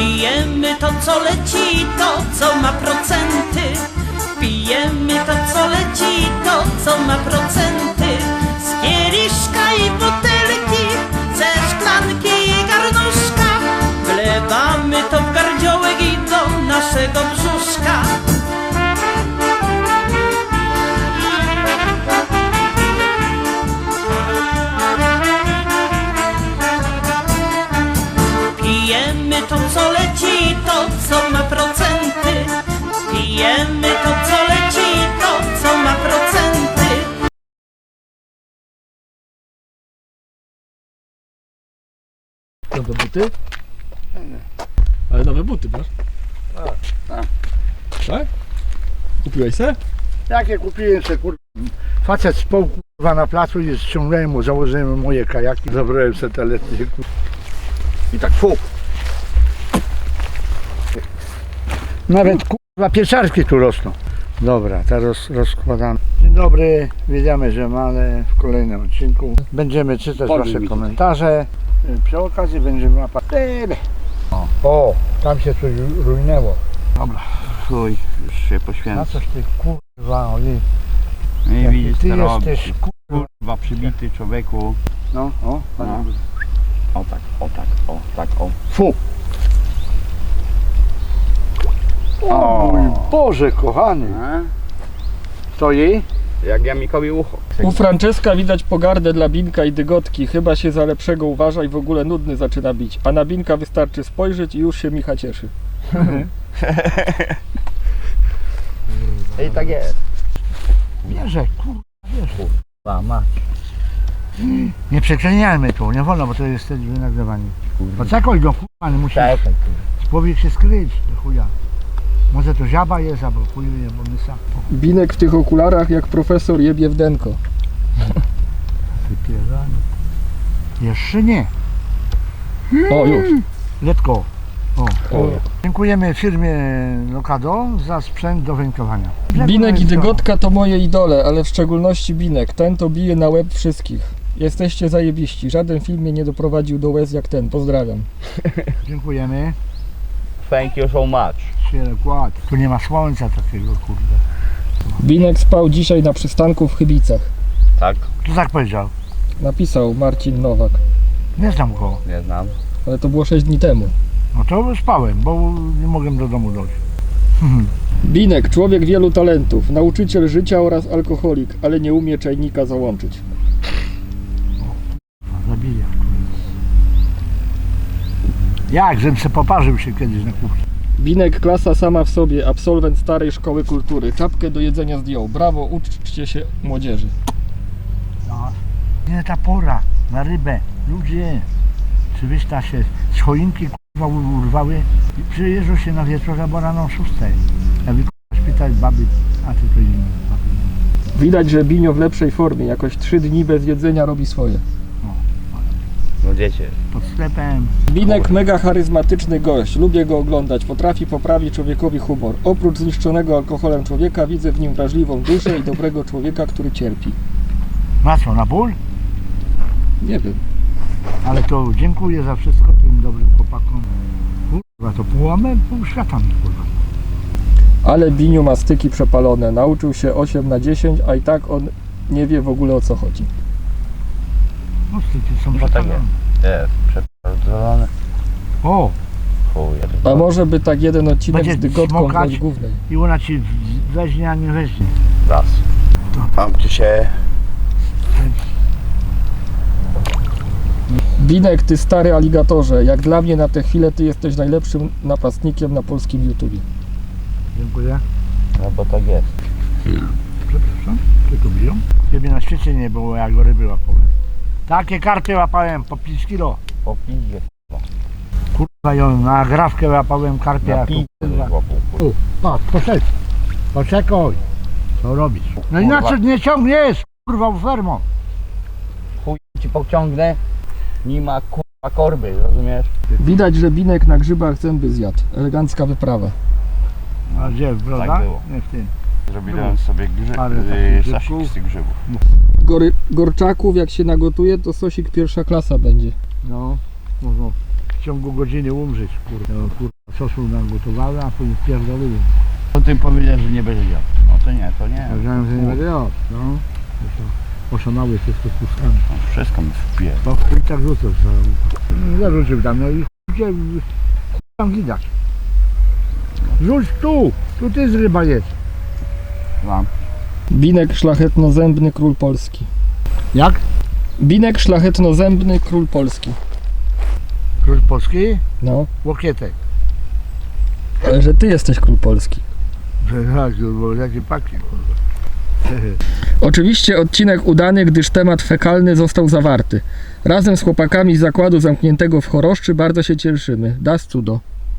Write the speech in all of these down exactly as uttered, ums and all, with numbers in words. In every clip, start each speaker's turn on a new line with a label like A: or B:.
A: Pijemy to, co leci, to, co ma procenty. Pijemy to, co leci, to, co ma procenty. Z kieliszka i butelki, ze szklanki i garnuszka. Wlewamy to w gardziołek i do naszego brzuszka. Pijemy to, co leci, to, co ma procenty. Pijemy to, co leci, to, co ma procenty.
B: Nowe buty? Ale nowe buty masz?
C: Tak, tak.
B: Tak? Kupiłeś se?
C: Jakie kupiłem se, kurwa. Facet spał, kurwa, na placu i ściągnąłem mu, założyłem mu moje kajaki. Zabrałem se te letnie, kurwa. I tak fu. Nawet, kurwa, pieczarki tu rosną. Dobra, teraz rozkładamy. Dzień dobry, wiedziamy, że mamy w kolejnym odcinku. Będziemy czytać
B: Powiem
C: wasze
B: mi
C: komentarze. Przy okazji będziemy łapać. O, o, tam się coś rujnęło. Dobra.
D: Chuj, już się
C: Na
D: poświęca.
C: coś ty, kurwa, ojej.
D: Nie
C: Jaki
D: widzisz,
C: ty
D: co robisz.
C: jesteś, kurwa.
D: Kurwa, przybity człowieku.
C: No, o,
D: No. O tak, o tak, o tak, o.
C: fu. O mój Boże, kochany.
D: A?
C: Stoi?
D: Jak ja Mikowi ucho.
B: U Franceska widać pogardę dla Binka i Dygotki. Chyba się za lepszego uważa i w ogóle nudny zaczyna bić. A na Binka wystarczy spojrzeć i już się Micha cieszy.
D: I tak jest.
C: Bierze, kurwa, bierze. Kurwa, mać. Nie przekleniajmy tu, nie wolno, bo to jest wtedy wynagrywanie. Poczekaj go, kurwa, nie musi. Człowiek się skryć, do chuja. Może to żaba jest, albo chuj wie, bo my sam.
B: Binek w tych okularach jak profesor jebie w denko.
C: Wypieranie. Jeszcze nie.
B: O, już.
C: Letko. O.
B: O.
C: Dziękujemy firmie Lokado za sprzęt do wędkowania.
B: Binek i Dygotka to moje idole, ale w szczególności Binek. Ten to bije na łeb wszystkich. Jesteście zajebiści. Żaden film mnie nie doprowadził do łez jak ten. Pozdrawiam.
C: Dziękujemy.
D: Thank you so much.
C: Się kład. Tu nie ma słońca takiego, kurde.
B: Binek spał dzisiaj na przystanku w Chybicach.
D: Tak?
C: Kto tak powiedział?
B: Napisał Marcin Nowak.
C: Nie znam go.
D: Nie znam.
B: Ale to było sześć dni temu.
C: No to spałem, bo nie mogłem do domu dojść.
B: Binek, człowiek wielu talentów, nauczyciel życia oraz alkoholik, ale nie umie czajnika załączyć.
C: Zabiję. Jak, żebym se poparzył się kiedyś na kuchni.
B: Binek, klasa sama w sobie, absolwent starej szkoły kultury. Czapkę do jedzenia zdjął. Brawo, uczcie się młodzieży.
C: No. Nie ta pora na rybę. Ludzie, czy wysta się z choinki kurwa urwały i przyjeżdżą się na wieczór albo rano o szóstej. Ja wy kurwa szpital baby, a ty to inne baby.
B: Widać, że Binio w lepszej formie. Jakoś trzy dni bez jedzenia robi swoje.
D: No dziecię.
C: Pod sklepem.
B: Binek mega charyzmatyczny gość. Lubię go oglądać. Potrafi poprawić człowiekowi humor. Oprócz zniszczonego alkoholem człowieka widzę w nim wrażliwą duszę i dobrego człowieka, który cierpi.
C: Na co, na ból?
B: Nie wiem.
C: Ale to dziękuję za wszystko tym dobrym chłopakom. Kurwa, to pół, pół świata mi kurwa.
B: Ale Biniu ma styki przepalone. Nauczył się osiem na dziesięć, a i tak on nie wie w ogóle o co chodzi.
C: No styki są
D: No tak
C: przepalone.
D: Jest, przeprowadzony.
C: O,
D: Chuj.
B: A może by tak jeden odcinek
C: Będzie
B: z Dygotką
C: smokać.
B: bądź głównej.
C: i ona ci weźmie, a nie weźmie.
D: Raz. Tam ci się...
B: Binek, ty stary aligatorze. Jak dla mnie na tę chwilę ty jesteś najlepszym napastnikiem na polskim YouTubie.
C: Dziękuję.
D: No bo tak jest.
C: Przepraszam, tylko biją. Ciebie na świecie nie było, jak go ryby łapałem. Takie karpie łapałem po pięć kilo.
D: Po piździe.
C: Kurwa, ją na grawkę łapałem karpia.
D: Na piździe
C: kurwa.
D: łapał.
C: U, patrz, poszedł. Poczekaj. Co robisz? No i na co nie ciągniesz? Kurwa, fermo.
D: Chuj ci pociągnę. Nie ma kurwa korby, rozumiesz?
B: Widać, że Binek na grzybach zęby zjadł. Elegancka wyprawa.
C: A gdzie, prawda?
D: Tak było.
C: Nie w tym.
D: Zrobiłem sobie
C: Parę
D: grzyb,
C: takich
D: yy, sasik
C: grzybków.
D: z tych grzybów.
B: Gory, gorczaków jak się nagotuje, to sosik pierwsza klasa będzie.
C: No, no, no. w ciągu godziny umrzeć, kurwa. No, kurwa, sosu nagotowały, a później pierdoliły.
D: To ty powiedział, że nie będzie jadł. No to nie, to nie.
C: Powiedziałem, że nie będę jadł, no. Poszanały się z to puszkami.
D: No, wszystko mi wpije.
C: Bo chuj tak rzucasz za łuka. Zarzucił tam, no i chuj cię, chuj tam widać. Rzuć tu, tu ty z ryba jest.
D: Mam.
B: Binek szlachetnozębny król Polski.
C: Jak?
B: Binek szlachetnozębny król Polski.
C: Król Polski?
B: No,
C: Łokietek.
B: ale że ty jesteś król Polski.
C: Tak, bo jakie paki, kurwa.
B: Oczywiście odcinek udany, gdyż temat fekalny został zawarty. Razem z chłopakami z zakładu zamkniętego w Choroszczy bardzo się cieszymy. Das cudo.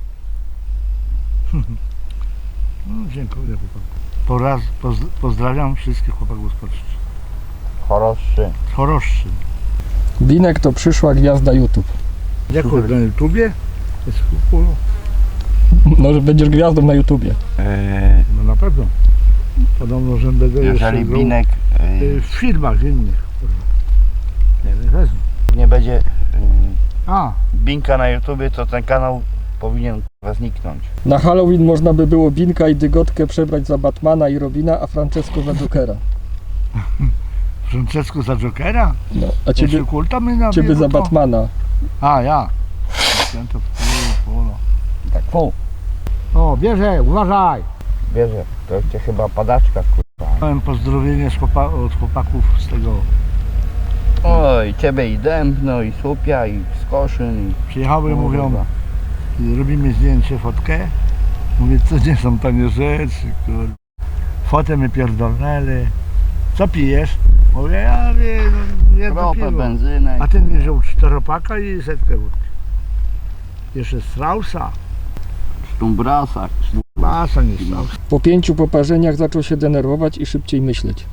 C: No, dziękuję chłopaku. Po raz poz, pozdrawiam wszystkich chłopaków z Polski.
D: Choroszy.
C: Z Choroszczy.
B: Binek to przyszła gwiazda YouTube.
C: Jako na YouTubie? Jest chulo.
B: No, że będziesz gwiazdą na YouTubie.
D: Yy,
C: No na pewno. Podobno, że będę
D: jeżeli
C: jeszcze
D: Binek
C: grał,
D: yy,
C: y, w filmach innych. Kurwa. Nie wiem, wezmę.
D: nie będzie yy,
C: A,
D: Binka na YouTubie, to ten kanał powinien kurwa zniknąć.
B: Na Halloween można by było Binka i Dygotkę przebrać za Batmana i Robina, a Francesco za Jokera.
C: Francesco za Jokera?
B: No, a ciebie,
C: Jeszcze kulta my na
B: ciebie za
C: to?
B: Batmana.
C: A, ja. Ten to w polo.
D: Tak, fu.
C: O, bierze, uważaj.
D: Bierze, to cię chyba padaczka kurwa.
C: Miałem pozdrowienie z chłopa, od chłopaków z tego.
D: Oj, ciebie i Dębno, i Słupia, i Skoszyn, i...
C: Przyjechały,
D: O,
C: mówią,
D: kurwa.
C: robimy zdjęcie, fotkę. Mówię, co nie są tanie rzeczy, kurwa. Fotę mi pierdolnęli. Co pijesz? Mówię, ja wiem, jedno
D: Ropę,
C: piwo.
D: benzynę.
C: A ten mi wziął czteropaka i setkę wódki. Jeszcze Straussa.
D: Sztumbrasa.
C: Masa nie Straussa.
B: Po pięciu poparzeniach zaczął się denerwować i szybciej myśleć.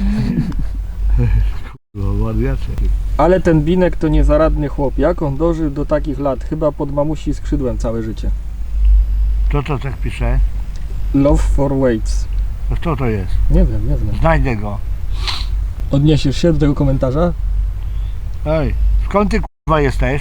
C: No, wariacie.
B: Ale ten Binek to niezaradny chłop. Jak on dożył do takich lat? Chyba pod mamusi skrzydłem całe życie.
C: Kto to tak pisze?
B: Love for Waits.
C: To kto to jest?
B: Nie wiem, nie znam.
C: Znajdę go.
B: Odniesiesz się do tego komentarza?
C: Ej, skąd ty kurwa jesteś?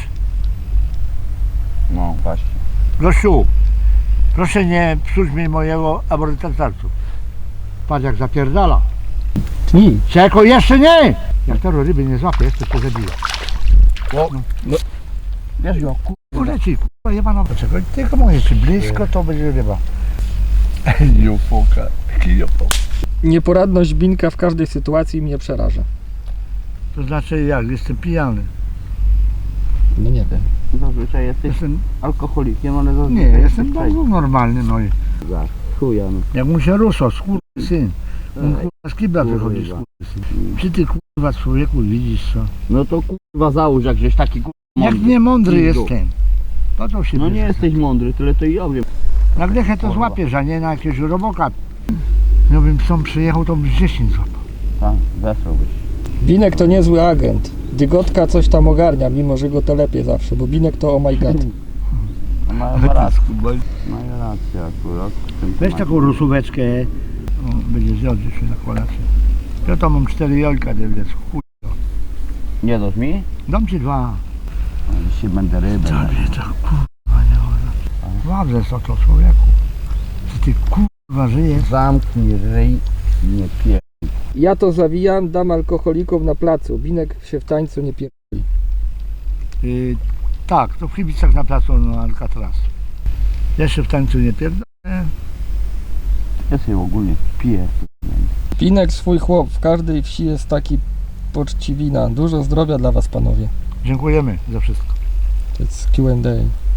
D: No właśnie.
C: Gościu, proszę nie psuć mi mojego abortatarcu. Patrz jak zapierdala.
B: Tnij.
C: Czeko, jeszcze nie! Jak to ryby nie złapie, to się zabije.
D: O,
B: no.
D: Wiesz ją, kurwa.
C: Uleci, kurwa jebana. Czekaj, tylko mówię, czy blisko to będzie ryba.
D: Jofoka. Jofoka.
B: Nieporadność Binka w każdej sytuacji mnie przeraża.
C: To znaczy jak, jestem pijany.
B: No nie wiem.
D: Zazwyczaj jesteś
C: Jestem,
D: alkoholikiem, ale
C: nie,
D: zazwyczaj
C: jestem
D: jesteś
C: bardzo normalny, no i
D: Za chuja, no.
C: jak mu się ruso, skurwysyn. On
D: Ej,
C: kurwa z kibla
D: kurwa.
C: wychodzi, skurwysyn. Czy ty kurwa człowieku widzisz co?
D: No to kurwa załóż, jak żeś taki kurwa
C: Jak
D: mądry.
C: nie mądry
D: Pizdu.
C: jestem. Po co się
D: No nie
C: bierze?
D: jesteś mądry, tyle to i ja wiem.
C: Na glechę to
D: Kurwa.
C: złapiesz, a nie na jakiegoś roboka. No bym psom przyjechał, to bym dziesięć złapał.
D: Tak, wesłałbyś.
B: Binek to niezły agent. Dygotka coś tam ogarnia, mimo że go telepie zawsze, bo Binek to oh my god.
D: No ma ma rację. Ma rację akurat. w tym
C: Weź
D: temacie.
C: taką rusóweczkę. O, będzie zjadł się na kolację. Ja to mam cztery jajka, wiesz, chuj.
D: Nie dasz mi?
C: Dam ci dwa.
D: A dzisiaj będę rybę.
C: Tobie to kurwa nie wolno. Dobrze co to człowieku. Czy ty kurwa żyjesz?
D: Zamknij ryj i nie pier...
B: Ja to zawijam, dam alkoholikom na placu. Binek się w tańcu nie pier...
C: Yy, tak, to w Chybicach na placu no, Alcatraz. Jeszcze w tańcu nie pierdolę.
D: Ja sobie ogólnie piję.
B: Binek swój chłop, w każdej wsi jest taki poczciwina. Dużo zdrowia dla was, panowie.
C: Dziękujemy za wszystko.
B: To jest Q and A.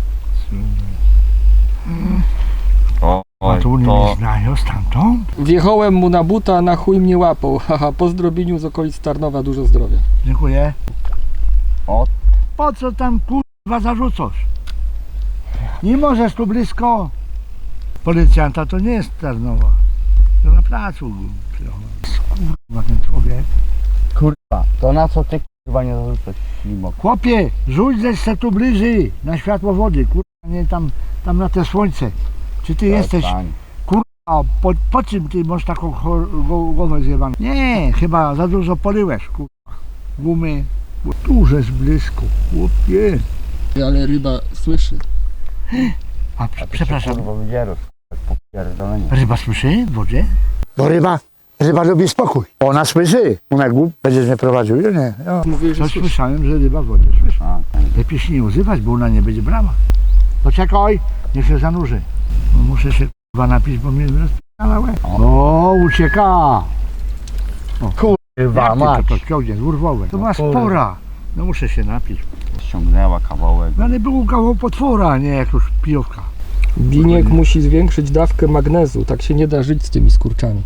D: O,
C: A tu mnie nie znają stamtąd?
B: Wjechałem mu na buta, na chuj mnie łapał. Haha, po zdrobieniu z okolic Tarnowa dużo zdrowia.
C: Dziękuję.
D: O.
C: Po co tam kurwa zarzucasz? Nie możesz tu blisko. Policjanta to nie jest Tarnowa. To na placu przyjechał. Kurwa ten człowiek.
D: Kurwa, to na co ty kurwa nie zarzucasz ślimok?
C: Chłopie, rzuć ze se tu bliżej na światło wody. Kurwa nie tam, tam na te słońce. Czy ty jesteś,
D: Przestań.
C: a po, po czym ty masz taką chor- go- głowę zjebaną? Nie, chyba za dużo poryłeś, kurwa. Gumy. Bo tu jest blisko, chłopie.
B: Ale ryba słyszy.
C: A, przepraszam,
D: Kurwa wydzierów, jak popierdolenie.
C: ryba słyszy w wodzie? Bo ryba, ryba lubi spokój. Ona słyszy. Ona głup, będziesz mnie prowadził, ja nie. Ja.
B: Mówię, że
C: Coś
B: słyszy.
C: słyszałem, że ryba w wodzie słyszy.
D: A, tak.
C: Lepiej się nie uzywać, bo ona nie będzie brała. Poczekaj, niech się zanurzy. No, muszę się kurwa napić, bo mnie rozpala łeb. O, ucieka. O,
D: Kurwa
C: jak ty
D: mać.
C: to, to ciągnie, urwowe. To
D: No
C: ma
D: kurwa.
C: spora. No muszę się napić.
D: Ściągnęła kawałek.
C: No ale był kawał potwora, nie jakaś pijowka.
B: Biniek musi zwiększyć dawkę magnezu, tak się nie da żyć z tymi skurczami.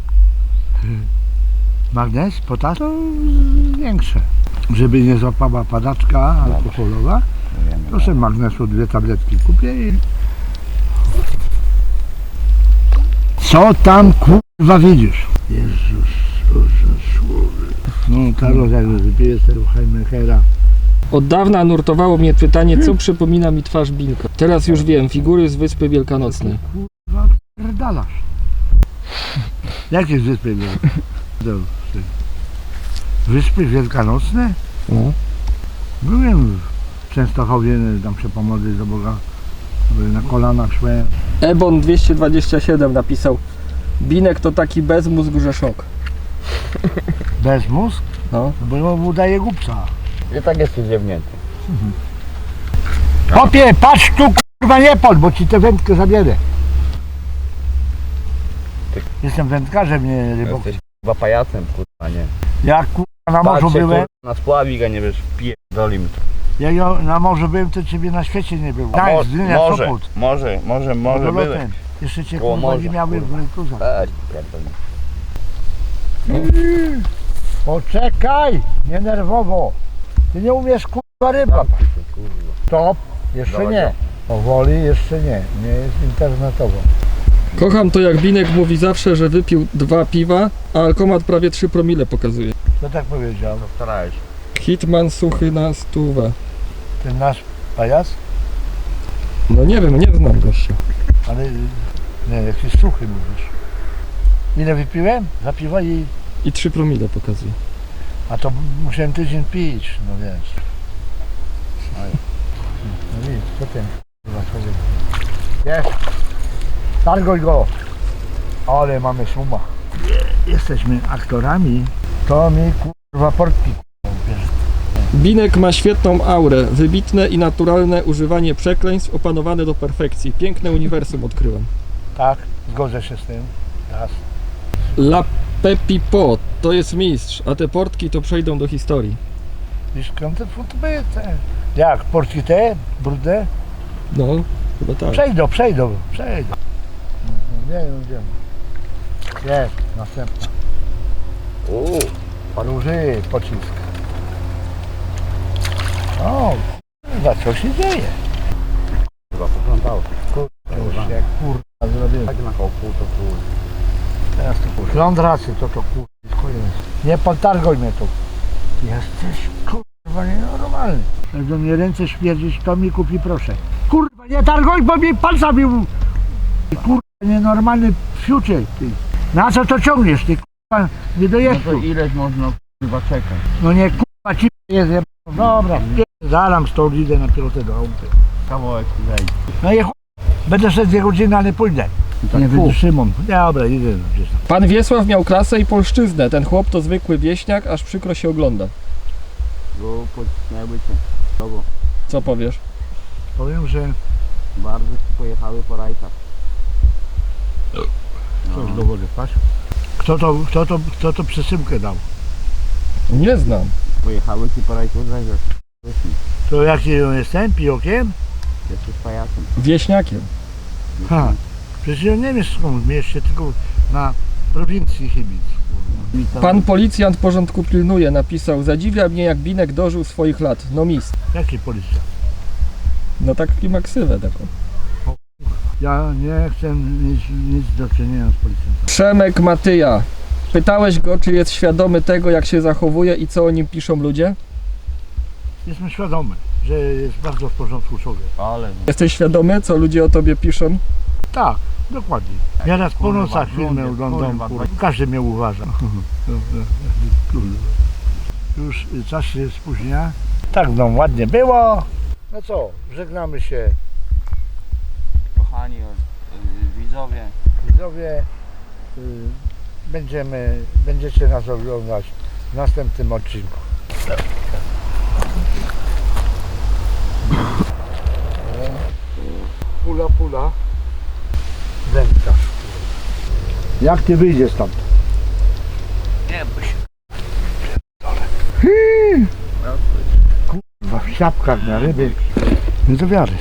C: Magnez, potas to większe. Żeby nie złapała padaczka alkoholowa,
D: Wiemy,
C: to sobie magnesu dwie tabletki kupię i... Co tam kurwa widzisz? Jezus, Boże słowy. No Karol, jak wypije tego Heimenhera.
B: Od dawna nurtowało mnie pytanie, co przypomina mi twarz Binka. Teraz już wiem, figury z Wyspy Wielkanocnej.
C: Kurwa, pierdalasz. Jakie wyspy Wielkanocne? Wyspy Wielkanocne?
B: No.
C: Byłem w Częstochowie, tam się pomodlić do Boga. Na kolanach szłem.
B: Ebon dwieście dwadzieścia siedem napisał: Binek to taki bezmózg, że szok.
C: Bez mózg?
B: No.
C: Bo on udaje głupca.
D: I tak jesteś ziewnięty.
C: Popie, patrz tu kurwa nie pod, bo ci tę wędkę zabierę.
D: Ty-
C: Jestem wędkarzem, nie rybok.
D: Jesteś chyba pajacem, kurwa, nie.
C: Jak kurwa na morzu
D: Patrzcie,
C: byłem,
D: kurwa, na spławik, a nie wiesz, pierdoli.
C: jak ja na morzu byłem, to ciebie na świecie nie było.
D: A mo-
C: Gdańsk, Gdynia,
D: może,
C: Sopot.
D: może, może, może były.
C: Samolotem. Jeszcze cię
D: Koło
C: kurwa nie
D: morza,
C: miały w
D: kurwa.
C: rękuzach.
D: Ej, pierdoli.
C: Poczekaj, nie nerwowo. Ty nie umiesz kurwa ryba.
D: Zamknij się, kurwa.
C: Stop, jeszcze
D: Dobra.
C: nie. Powoli jeszcze nie, nie jest internetowo.
B: Kocham to, jak Binek mówi zawsze, że wypił dwa piwa, a alkomat prawie trzy promile pokazuje.
C: Kto tak powiedział?
D: Starałeś.
B: Hitman suchy na stówę.
C: Ten nasz pajac?
B: No nie wiem, nie znam gościa.
C: Ale nie, jakiś suchy mówisz. Ile wypiłem? Za piwo i...
B: I trzy promile pokazuje.
C: A to musiałem tydzień pić, no wiesz. No widzisz, co ten kurwa człowiek. Jest. Targoj go. Ale mamy suma. Jesteśmy aktorami. To mi kurwa portki kurwa bierze.
B: Binek ma świetną aurę, wybitne i naturalne używanie przekleństw opanowane do perfekcji. Piękne uniwersum odkryłem.
C: Tak, zgodzę się z tym. Raz.
B: La Pepipo to jest mistrz, a te portki to przejdą do historii.
C: Wiesz, skąd te te? Jak, portki te, brudne?
B: No, chyba tak.
C: Przejdą, przejdą, przejdą. Nie wiem, gdzie. Jest, następna.
D: Uuu,
C: Róży, pocisk. O, kurwa, co się dzieje?
D: chyba poplątało.
C: To już jak kurwa zrobiłem.
D: Tak na koło pół to pół.
C: Teraz to kurwa. Lądracy to to kurwa, jest koniec. Nie potargoj mnie tu. Jesteś kurwa nienormalny. Jak do mnie ręce śmierdzić, to mi kupi proszę. Kurwa, nie targoj, bo mi palca bił. Kurwa, nienormalny fiucie, ty. Na co to ciągniesz, ty kurwa, nie
D: No
C: dojesz
D: to
C: tu.
D: ileś można kurwa czekać.
C: No nie kurwa, ci jest jeb... Dobra, zalam stąd, idę na pilotę do chałupy.
D: Kawałek zejdzie.
C: No i chuj, będę szedł dwie godziny, ale pójdę.
D: tak
C: Nie
D: pół.
C: wytrzymam. Dobra, idę gdzieś tam.
B: Pan Wiesław miał klasę i polszczyznę. Ten chłop to zwykły wieśniak, aż przykro się ogląda.
D: Bo pocisnęły cię. Tobą.
B: Co powiesz?
C: Powiem, że
D: Bardzo ci pojechały po rajkach.
C: coś do wody patrz. Kto to, kto to, kto to przesyłkę dał?
B: Nie znam.
D: Pojechały ci po rajku zajrzeć.
C: To jaki ja jestem? Pijokiem?
D: Jesteś pajacem.
B: Wieśniakiem.
C: Ha. Przecież ja nie wiem skąd w mieście, tylko na prowincji Chybic.
B: Pan policjant porządku pilnuje, napisał: zadziwia mnie, jak Binek dożył swoich lat. No mistrz.
C: Jaki policja?
B: No taki ma ksywę taką.
C: Ja nie chcę mieć nic do czynienia z policjantem.
B: Przemek Matyja. Pytałeś go, czy jest świadomy tego, jak się zachowuje i co o nim piszą ludzie?
C: Jestem świadomy, że jest bardzo w porządku człowiek.
D: Ale
B: Jesteś świadomy, co ludzie o tobie piszą?
C: Tak, dokładnie. Ja raz po
D: kurwa,
C: nocach filmy
D: blondy,
C: oglądam,
D: kurwa,
C: kurwa. Każdy mnie uważa. Kurwa. Już czas się spóźnia. Tak, no ładnie było. No co, żegnamy się.
D: Kochani y, widzowie.
C: Widzowie, y, będziemy, będziecie nas oglądać w następnym odcinku. Pula, pula. Wędkarz. Jak ty wyjdziesz stąd?
D: Nie bój się.
C: Kurwa, w siapkach na ryby. Nie do wiary.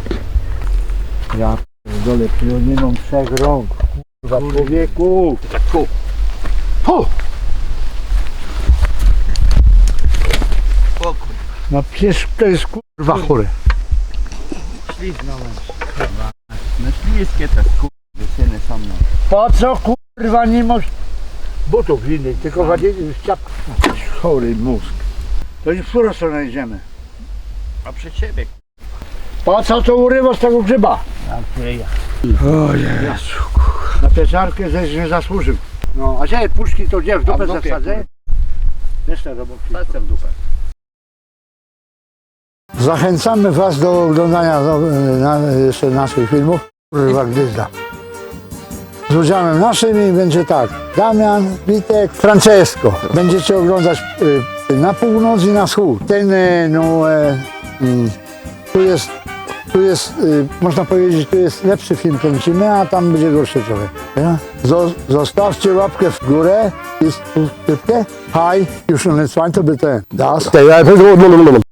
C: Ja dole nie mam trzech rąk. Kurwa, człowieku.
D: Tu.
C: Tu.
D: O kurwa.
C: No przecież to jest kurwa chore.
D: Śliznąłem się. Kurwa. No śliskie te kurwa syny są no.
C: Po co kurwa nie masz butów innych, tylko wadzili w siapkach. Chory mózg. To już w którą stronę idziemy?
D: A przed siebie.
C: Po co to urywa z tego grzyba?
D: Na której ja.
C: O Jezu. Na pieczarkę żeś nie zasłużył. No, a gdzie puszki to gdzie w
D: A w
C: dupę
D: dupie,
C: zasadzę? Jeszcze roboty.
D: Palce w dupę.
C: Zachęcamy Was do oglądania no, na, jeszcze naszych filmów. Kurwa gdyzda. Z udziałem naszym będzie tak. Damian, Witek, Francesco. Będziecie oglądać y, na północ i na wschód. Ten, y, no, y, y, tu jest, tu jest, y, można powiedzieć, tu jest lepszy film kręcimy, a tam będzie gorszy trochę. Ja? Zo, zostawcie łapkę w górę i subskrypcję. Hi, już nie to by ten. Das.